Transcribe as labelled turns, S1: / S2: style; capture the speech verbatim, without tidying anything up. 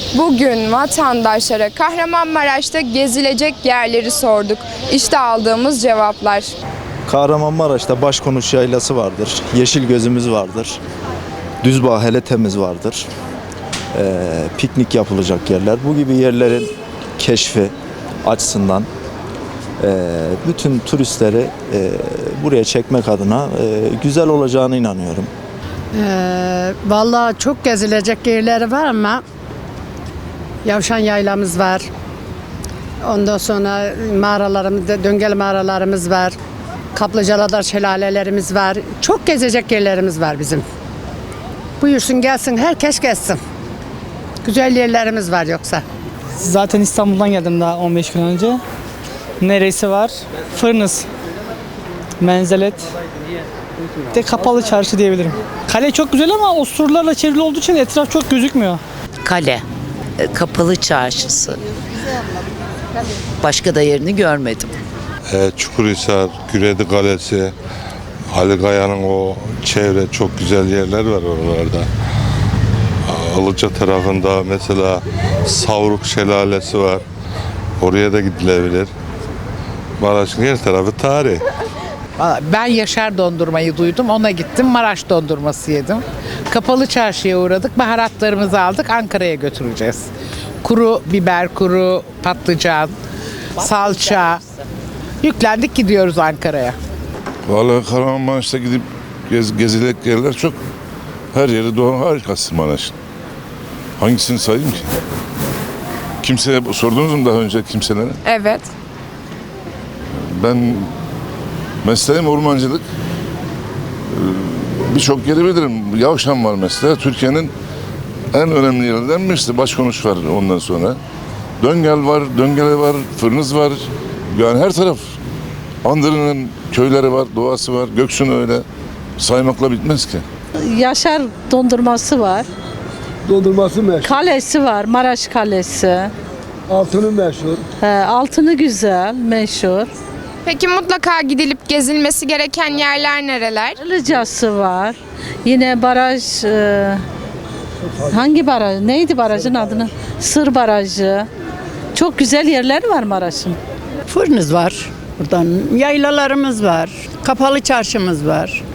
S1: Bugün vatandaşlara Kahramanmaraş'ta gezilecek yerleri sorduk. İşte aldığımız cevaplar.
S2: Kahramanmaraş'ta Başkonuş Yaylası vardır, Yeşil Gözümüz vardır, Düzbağ Heletemiz vardır, ee, piknik yapılacak yerler. Bu gibi yerlerin keşfi açısından e, bütün turistleri e, buraya çekmek adına e, güzel olacağına inanıyorum.
S3: Ee, vallahi çok gezilecek yerleri var ama Yavşan Yaylamız var. Ondan sonra mağaralarımız, döngel mağaralarımız var. Kaplıcaladar şelalelerimiz var. Çok gezecek yerlerimiz var bizim. Buyursun gelsin, herkes gelsin. Güzel yerlerimiz var yoksa.
S4: Zaten İstanbul'dan geldim daha on beş gün önce. Neresi var? Fırınız, Menzelet, de Kapalı Çarşı diyebilirim. Kale çok güzel ama o surlarla çevrili olduğu için etraf çok gözükmüyor.
S5: Kale, e, Kapalı Çarşısı. Başka da yerini görmedim.
S6: E, Çukurhisar, Güredi Kalesi, Ali Kaya'nın o çevre çok güzel yerler var oralarda. Ilıca tarafında mesela Savruk Şelalesi var. Oraya da gidilebilir. Maraş'ın her tarafı tarih.
S7: Ben Yaşar dondurmayı duydum. Ona gittim. Maraş dondurması yedim. Kapalı Çarşı'ya uğradık. Baharatlarımızı aldık. Ankara'ya götüreceğiz. Kuru biber, kuru patlıcan, salça. Yüklendik gidiyoruz Ankara'ya.
S8: Vallahi Kahramanmaraş'ta gidip gez, gezilecek yerler çok. Her yeri doğru harikası Maraş'ın. Hangisini sayayım ki? Kimseye sordunuz mu daha önce kimselere?
S1: Evet.
S8: Ben mesleğim ormancılık. Ee, Birçok yeri bilirim. Yavşan var mesela. Türkiye'nin en önemli yerlerinden birisi. Başkonuş var ondan sonra. Döngel var, Döngele var, Fırınız var. Yani her taraf. Andırı'nın köyleri var, doğası var. Göksu'nun öyle. Saymakla bitmez ki.
S9: Yaşar dondurması var.
S10: Dondurması meşhur.
S9: Kalesi var, Maraş Kalesi.
S10: Altını meşhur.
S9: He, altını güzel, meşhur.
S1: Peki mutlaka gidilip gezilmesi gereken yerler nereler?
S9: Ilıcası var. Yine baraj, e, hangi baraj? Neydi barajın adını? Sır Barajı. Çok güzel yerler var Maraş'ın.
S3: Fırınız var. Buradan yaylalarımız var. Kapalı çarşımız var.